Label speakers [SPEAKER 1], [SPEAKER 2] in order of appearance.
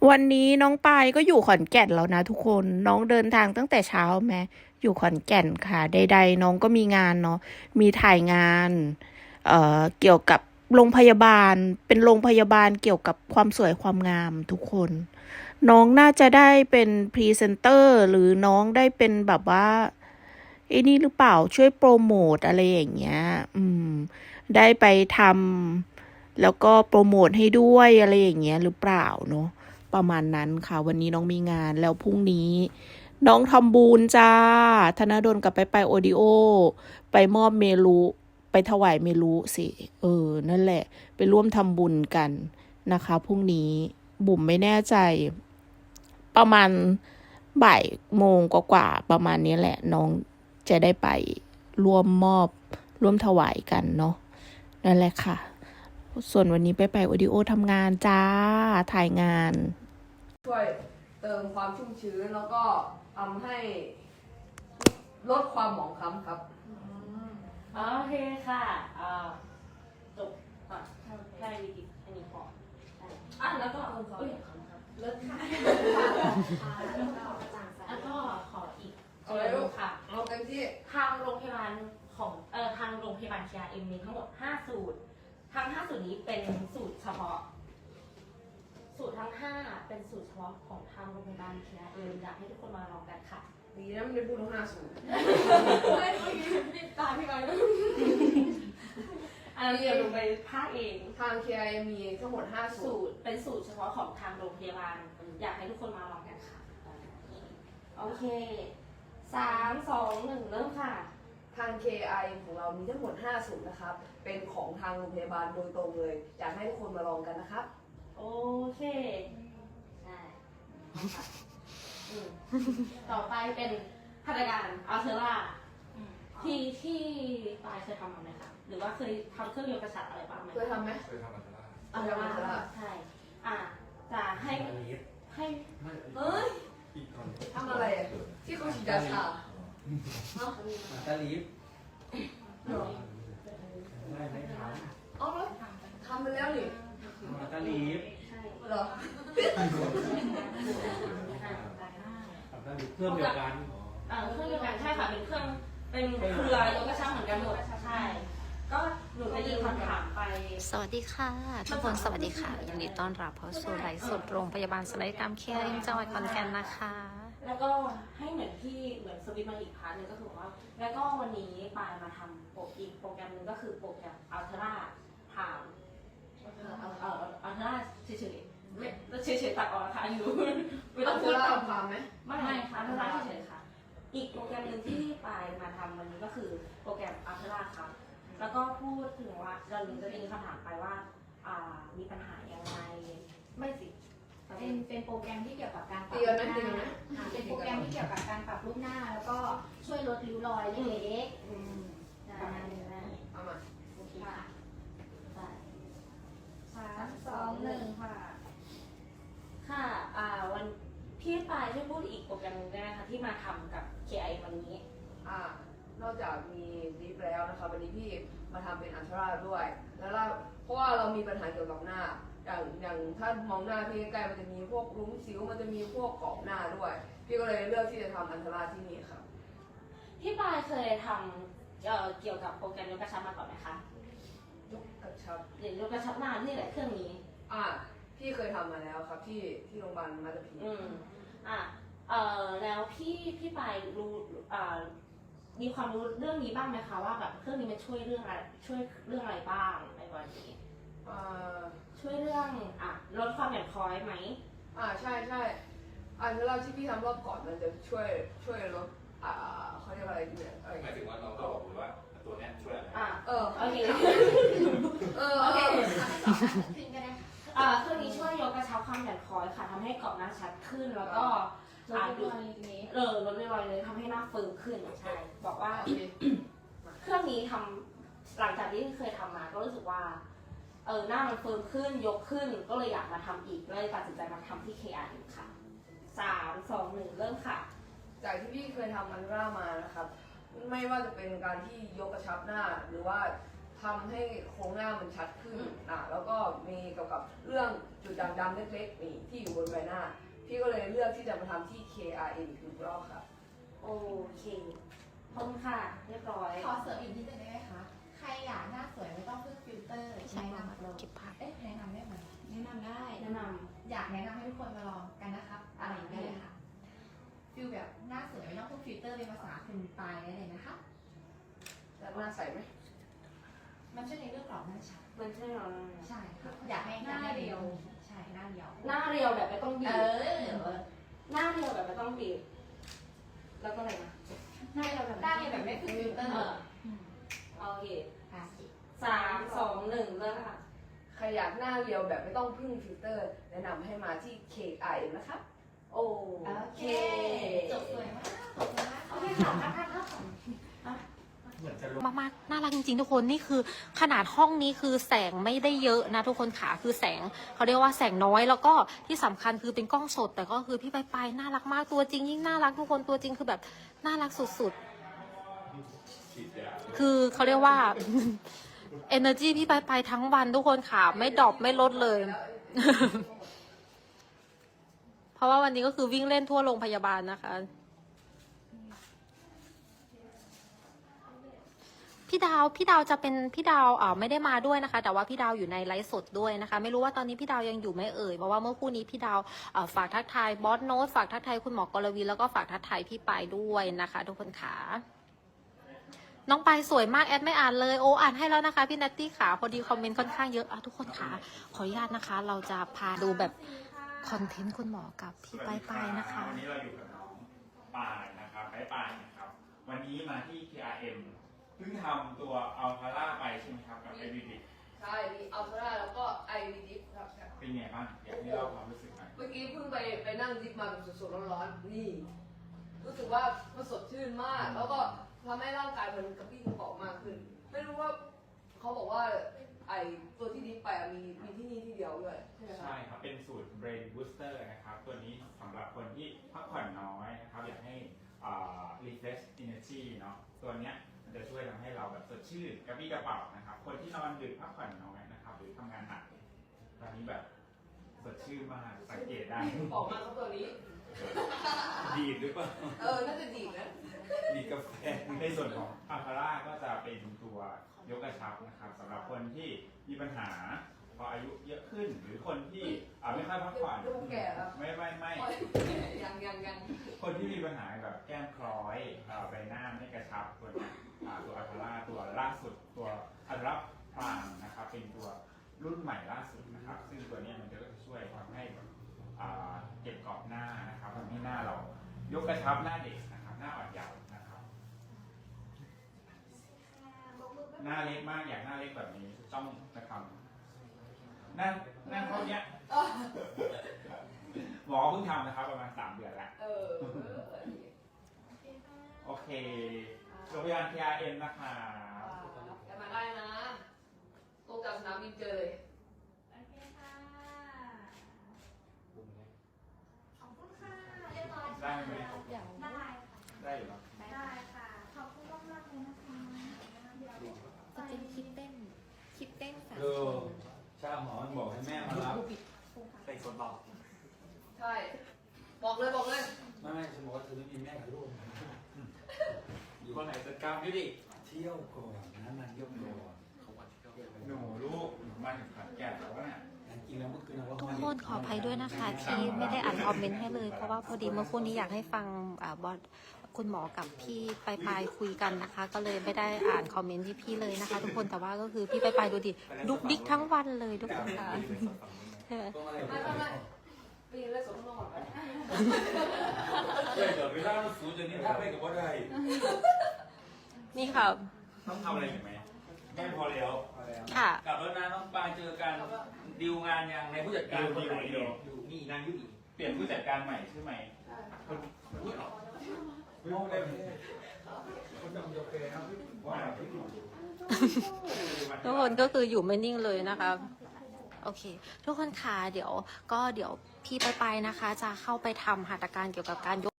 [SPEAKER 1] วันนี้น้องปายก็อยู่ขอนแก่นแล้วนะทุกคนน้องเดินทางตั้งแต่เช้าแม้อยู่ขอนแก่นค่ะใดๆน้องก็มีงานเนาะมีถ่ายงานเกี่ยวกับโรงพยาบาลเป็นโรงพยาบาลเกี่ยวกับความสวยความงามทุกคนน้องน่าจะได้เป็นพรีเซนเตอร์หรือน้องได้เป็นแบบว่าไอ้นี่หรือเปล่าช่วยโปรโมทอะไรอย่างเงี้ยได้ไปทำแล้วก็โปรโมทให้ด้วยอะไรอย่างเงี้ยหรือเปล่าเนาะ ประมาณนั้นค่ะวันนี้น้องมีงานแล้วพรุ่งนี้น้องทำบุญจ้าธนดลกับไปโอดิโอไปมอบเมลุไปถวายเมลุสินั่นแหละไปร่วมทำบุญกันนะคะพรุ่งนี้บุ๋มไม่แน่ใจประมาณบ่ายโมงกว่าๆประมาณนี้แหละน้องจะได้ไปร่วมมอบร่วมถวายกันเนาะนั่นแหละค่ะส่วนวันนี้ไปโอดิโอทำงานจ้าถ่ายงาน
[SPEAKER 2] ช่วยเติมความชุ่มชื้นแล้วก็ทำให้ลดความหมองคล้ำครับ
[SPEAKER 3] โอเคค่ะจบก่อนได้วิธีอันนี้พอแล้วก็เลิศค่ะแล้วก็ขออีกค่ะ
[SPEAKER 2] เอาเต็มที่
[SPEAKER 3] ทางโรงพยาบาลของทางโรงพยาบาล KRM มีทั้งหมด5สูตรทั้ง5สูตรนี้เป็นสูตรเฉพาะสูตรทั้ง5เป็นสูตรเฉพาะของทางโรงพยาบาล KRM อยากให้ทุกคนมาลองกันค่ะ
[SPEAKER 2] ดีนะไม่ได้พูดทั้ง5 สูตร
[SPEAKER 3] ไม่ปิดตาพี่ไว้อันนั้นเดี๋ยวลงไปภาคเอง
[SPEAKER 2] ทาง KI มีทั้งหมด5 สูตร
[SPEAKER 3] เป็นสูตรเฉพาะของทางโรงพยาบาลอยากให้ทุกคนมาลองกันค่ะโอเค3 2 1เริ่มค่ะ
[SPEAKER 2] ทาง KI ของเรามีทั้งหมด5 สูตรนะครับเป็นของทางโรงพยาบาลโดยตรงเลยอยากให้ทุกคนมาลองกันนะครับ
[SPEAKER 3] โอเคได้ต่อไปเป็นพัฒนาการอัลเทอร่าที่ปลายเคยทำไหมคะหรือว่าเคยทำเครื่องยนต์กระชับอะไรบ้างไหม
[SPEAKER 2] เคยทำไหม
[SPEAKER 4] เคยทำอัลตรา
[SPEAKER 3] อัลเทอร่าใช่จะให้เฮ้ย
[SPEAKER 2] ทำอะไรที่เขาฉีดยาชา
[SPEAKER 4] อัลตราลีฟไม่ท
[SPEAKER 2] อ๋อทำไปแล้วนี่
[SPEAKER 4] ำอัลตราลีฟ
[SPEAKER 2] เหรอ
[SPEAKER 4] อัลตราลีฟเครื่องเดียวกัน
[SPEAKER 3] เครื่องเดียวกันใช่ค่ะเป็นเครื่องเป็นเครือยกกระชับเหมือนกันหมดใช่ก็หนูจะยิงคำถามไป
[SPEAKER 1] สวัสดีค่ะทุกคนสวัสดีค่ะยินดีต้อนรับเข้าสู่ไลฟ์สดโรงพยาบาลศัลยกรรมเคอาร์จังหวัดขอนแก่นนะคะ
[SPEAKER 3] แล้วก็ให้เหมือนสวิตมาอีกพาร์ทนึงก็คือว่าแล้วก็วันนี้ปายมาทำอีกโปรแกรมนึงก็คือโปรแกรมอัลเทอร่าถามอัลเทอร่าเฉยๆไม่เฉยๆตัดออกนะคะอยู่ไม่ต้องพูดตาม
[SPEAKER 2] ความไหม
[SPEAKER 3] ไม่ค่ะอัลเทอร่าเฉยๆค่ะอีกโปรแกรมนึงที่ปายมาทำวันนี้ก็คือโปรแกรมอัลเทอร่าครับแล้วก็พูดถึงว่าเราจะมีคำถามไปว่ามีปัญหายังไงไม่สิ
[SPEAKER 5] เป็นโปรแกรมที่เกี่ยวกับการปรับ
[SPEAKER 2] รูปหน้า
[SPEAKER 5] เป็นโปรแกรมที่เกี่ยวกับการปรับรูปหน้าแล้วก็ช่วยลดริ้วรอยเล็กๆ
[SPEAKER 3] ประมาณนี้นะ
[SPEAKER 2] เอามา
[SPEAKER 5] ค่ะ3 2 1ค่ะ
[SPEAKER 3] ค่ะวันพี่ปายช่วยพูดอีกโปรแกรมนึงได้ไหมคะที่มาทำกับ KI วันนี้
[SPEAKER 2] นอกจากมีลิฟต์แล้วนะคะวันนี้พี่มาทำเป็นอัลตราด้วยแล้วเพราะว่าเรามีปัญหาเกี่ยวกับหน้าอย่างถ้ามองหน้าพี่ใกล้ๆมันจะมีพวกรุ้งสิวมันจะมีพวกกรอบหน้าด้วยพี่ก็เลยเลือกที่จะทำอัลตราที่นี่ครับ
[SPEAKER 3] พี่ปายเคยทำเกี่ยวกับโปรแกรมยกกระชับมาก่อนไหมคะ
[SPEAKER 2] ยกกระชับ
[SPEAKER 3] หรือยกกระชับหน้านี่แหละเครื่องนี้
[SPEAKER 2] พี่เคยทำมาแล้วครับที่โรงพยาบาลมาตาพี
[SPEAKER 3] แล้วพี่ปายรู้มีความรู้เรื่องนี้บ้างไหมคะว่าแบบเครื่องนี้มันช่วยเรื่องอะไรบ้างในกรณีช่วยเรื่องลดความหย่อนคล้อยไหม
[SPEAKER 2] ใช่อันเราที่พี่ทำรอบก่อนมันจะช่วยลดเขาเรียกอะไรเนี่ย
[SPEAKER 4] หมายถึงว่าเราก็บอกว่าตัวนี้ช่วยอะไร
[SPEAKER 3] โอเค
[SPEAKER 5] โอเคขึ้นก็ได้
[SPEAKER 3] เครื่องนี้ช่วยยกกระชับความหย่อนคล้อยค่ะทำให้กรอบหน้าชัดขึ้นแล้วก็
[SPEAKER 5] ลดริ้วรอย
[SPEAKER 3] ลดริ้วรอยเลยทำให้หน้าเฟิร์มขึ้นใช่บอกว่าเครื่องนี้ทำหลังจากที่เคยทำมาก็รู้สึกว่าหน้ามันเฟิร์มขึ้นยกขึ้นก็เลยอยากมาทำอีกเลยตัดสินใจมาทำที่ KR ค่ะ3 2 1เริ่มค่ะ
[SPEAKER 2] จากที่พี่เคยทำอัลตรามานะครับไม่ว่าจะเป็นการที่ยกกระชับหน้าหรือว่าทำให้โครงหน้ามันชัดขึ้นแล้วก็มีเกี่ยวกับเรื่องจุดด่างดำเล็กๆนี่ที่อยู่บนใบหน้าพี่ก็เลยเลือกที่จะมาทำที่ KRM อีกหนึ่งรอบค่ะ
[SPEAKER 3] โอเคขอบคุณค่ะ เรียบร้อย
[SPEAKER 5] ขอเสริมอีกนิดนึงได้ไหมคะ ใครอยากหน้าสวยไม่ต้องพึ่งฟิลเตอร์ใช้นำ
[SPEAKER 1] เก็บภาพ
[SPEAKER 5] แนะนำได้ไหมแนะนำได้
[SPEAKER 3] แนะน
[SPEAKER 5] อยากแนะนำให้ทุกคนมาลองกันนะครับอะไรอย่างเงี้ยค่ะฟิลแบบหน้าสวยไม่ต้องพึ่งฟิลเตอร์เป็นภาษาคุณปลายได้เลยนะคะ
[SPEAKER 2] แล้วหน้าใสไหม
[SPEAKER 5] มันช่วยในเรื่องกรอบหน้าชัด
[SPEAKER 3] ำมันใช่เหรอ
[SPEAKER 5] ใช่ค่ะอยากให้หน้าเรียวใช่หน้าเรียว
[SPEAKER 3] หน้าเรียวแบบไม่ต้องบี
[SPEAKER 5] เอบ อ
[SPEAKER 3] หน้าเรียวแบบไม่ต้องบีบ แล้วก็อะไรนะหน้าเรียวแบบ
[SPEAKER 5] หน้าเรียวแบบไม่พึ่งฟิลเตอร์
[SPEAKER 3] โอเค
[SPEAKER 5] ค่ะ
[SPEAKER 3] 3 2 1เริ่มค่ะ
[SPEAKER 2] ใครอยากหน้าเรียวแบบไม่ต้องพึ่งฟิลเตอร์ แนะนำให้มาที่ KRM นะคะ
[SPEAKER 3] โอ
[SPEAKER 5] โอ
[SPEAKER 3] เค
[SPEAKER 5] เคจบสวยมากขอบคุณมาก
[SPEAKER 3] โอเคค่ะท่านค่ะ
[SPEAKER 4] เหมือนจะลง
[SPEAKER 1] มากๆน่ารักจริงๆทุกคนนี่คือขนาดห้องนี้คือแสงไม่ได้เยอะนะทุกคนค่ะคือแสงเขาเรียกว่าแสงน้อยแล้วก็ที่สำคัญคือเป็นกล้องสด แต่ก็คือพี่ปายน่ารักมากตัวจริงยิ่งน่ารักทุกคนตัวจริงคือแบบน่ารักสุดๆคือเขาเรียกว่า energy พี่ปายทั้งวันทุกคนค่ะไม่ดรอปไม่ลดเลย เพราะว่าวันนี้ก็คือวิ่งเล่นทั่วโรงพยาบาลนะคะพี่ดาวจะเป็นพี่ดาวไม่ได้มาด้วยนะคะ แต่ว่าพี่ดาวอยู่ในไลฟ์สดด้วยนะคะ ไม่รู้ว่าตอนนี้พี่ดาวยังอยู่ไหมเอ่ยเพราะว่าเมื่อคู่นี้พี่ดาวฝากทักทายบอสโน้ตฝากทักทายคุณหมอกรวีแล้วก็ฝากทักทายพี่ปายด้วยนะคะ ทุกคนค่ะน้องปายสวยมากแอดไม่อ่านเลยโอ้อ่านให้แล้วนะคะพี่นัตตี้ค่ะพอดีคอมเมนต์ค่อนข้างเยอะทุกคนค่ะขออนุญาตนะคะ เราจะพาดูแบบคอนเทนต์คุณหมอกับพี่ปายนะคะ
[SPEAKER 4] วันนี้เราอยู่กับน้องปายนะครับปายนะครับ วันนี้มาที่ KRM เพิ่งทำตัวอัลพาร่าไปใช่ไหมครับกับ IVD
[SPEAKER 2] ใช่ มีอัลตร้าแล้วก็ IVDIP ครับ
[SPEAKER 4] เป็นไงบ้างอยากให้เล่าความรู้สึกหน่อย
[SPEAKER 2] เมื่อกี้เพิ่งไปนั่งดิฟมาแบบสดๆร้อนๆนี่ รู้สึกว่ามันสดชื่นมาก แล้วก็ทำให้ร่างกายมันกระปรี้กระเป๋ามากขึ้น ไม่รู้ว่าเขาบอกว่าไอตัวที่ดิฟไปมีที่นี่ที่เดียวด้วยใช่ไหมครั
[SPEAKER 4] ใช่
[SPEAKER 2] บ
[SPEAKER 4] ครับ เป็นสูตร Brain Booster นะครับ ตัวนี้สำหรับคนที่พักผ่อนน้อยนะครับ อยากให้refresh energy เนาะ ตัวเนี้ยมันจะช่วยทำให้เราแบบสดชื่นกระปรี้กระเป๋านะครับ คนที่นอนดึกพักผ่อนน้อยนะครับ หรือทำงานหนักตอนนี้แบบสดชื่นมาก สังเกตได้
[SPEAKER 2] ออกมาครับตัวนี้
[SPEAKER 4] ดีดหรือเปล่า
[SPEAKER 2] น่าจะดีนะ
[SPEAKER 4] ดีดกาแฟในส่วนของอัลพาร่าก็จะเป็นตัวยกกระชับนะครับสำหรับคนที่มีปัญหาพออายุเยอะขึ้น หรือคนที่ไม่ค่อยพักผ่อน
[SPEAKER 2] ลูกแก่แล้ว
[SPEAKER 4] ไม่
[SPEAKER 2] ยัง
[SPEAKER 4] คนที่มีปัญหาแบบแก้มคล้อยใบหน้าไม่กระชับตัวเนี้ยตัวอัลพาร่าตัวล่าสุดตัวอัลตร้าพรามนะครับเป็นตัวรุ่นใหม่ล่าสุดนะครับ ซึ่งตัวเนี้ยมันจะช่วยทำให้เก็บกรอบหน้านะครับทำให้หน้าเรายกกระชับหน้าเด็กนะครับหน้าอ่อนเยาว์นะครับหน้าเล็กมากอยากหน้าเล็กแบบนี้ต้องจะทำหน้าเท่าเนี้ยหมอเพิ่งทำนะครับประมาณ3 เดือนแล้วโอเคโรงพยาบาล KRM นะคะ
[SPEAKER 2] จะมาได้นะตรงจากสนามบินเจอเลย
[SPEAKER 5] โอเคค่ะขอบคุณค่ะเรียบร้อย
[SPEAKER 4] ได้ไหม
[SPEAKER 5] ได้ค่ะ
[SPEAKER 4] ได้อยู่เนอะ
[SPEAKER 5] ได้ค่ะขอบคุณมากๆเลยนะคะ
[SPEAKER 6] จะเป็นคลิปเต้นสาม
[SPEAKER 7] ช่างหมอมันบอกให้แม่มารับ
[SPEAKER 4] ใส่คนบอก
[SPEAKER 2] ใช่ บอกเลย
[SPEAKER 7] ไม่ฉันบอกว่าเธอไม่มีแม่กับลูก
[SPEAKER 4] อยู่คนไหนจัดการด้วยดิ
[SPEAKER 7] เที่ยวก่อนนะนานเที่ยวก่อน
[SPEAKER 4] หนูลูกมาถึงขอนแก่นแล้วเนี่ย
[SPEAKER 7] จริงแล้วเมื่อคืนเรา
[SPEAKER 1] ทุกคนขออภัยด้วยนะคะที่ไม่ได้อ่านคอมเมนต์ให้เลยเพราะว่าพอดีเมื่อคู่นี้อยากให้ฟังบอสคุณหมอกับพี่ปายคุยกันนะคะ ก็เลยไม่ได้อ่านคอมเมนต์พี่เลยนะคะ ทุกคนแต่ว่าก็คือพี่ปายดูดิดุกดิกทั้งวันเลยทุกคนค่ะ
[SPEAKER 2] ไม่ไปยืนเล่นสวนข้างนอกก่อนไป
[SPEAKER 7] เดี๋ยวเวลามันสูงจนนี้ถ้าไม่กับว่าได้
[SPEAKER 1] นี่ค่ะ
[SPEAKER 4] ต้องทำอะไรอีกไหมไม่พอแล้ว
[SPEAKER 1] ค่ะ
[SPEAKER 7] กลับแล้วนะน้องปางเจอกันดิวงานยังในผู้จัดการคนไหน
[SPEAKER 4] ดี
[SPEAKER 7] อยู่นี่นางยุอี
[SPEAKER 4] เปลี่ยนผู้จัดการใหม่ใช่ไหม
[SPEAKER 7] ไม่รู้ได้ไหมคนทำกาแฟครับว่า
[SPEAKER 1] ทุกคนก็คืออยู่ไม่นิ่งเลยนะคะโอเค ทุกคนค่ะเดี๋ยวพี่ปายนะคะ จะเข้าไปทำหัตถการเกี่ยวกับการยก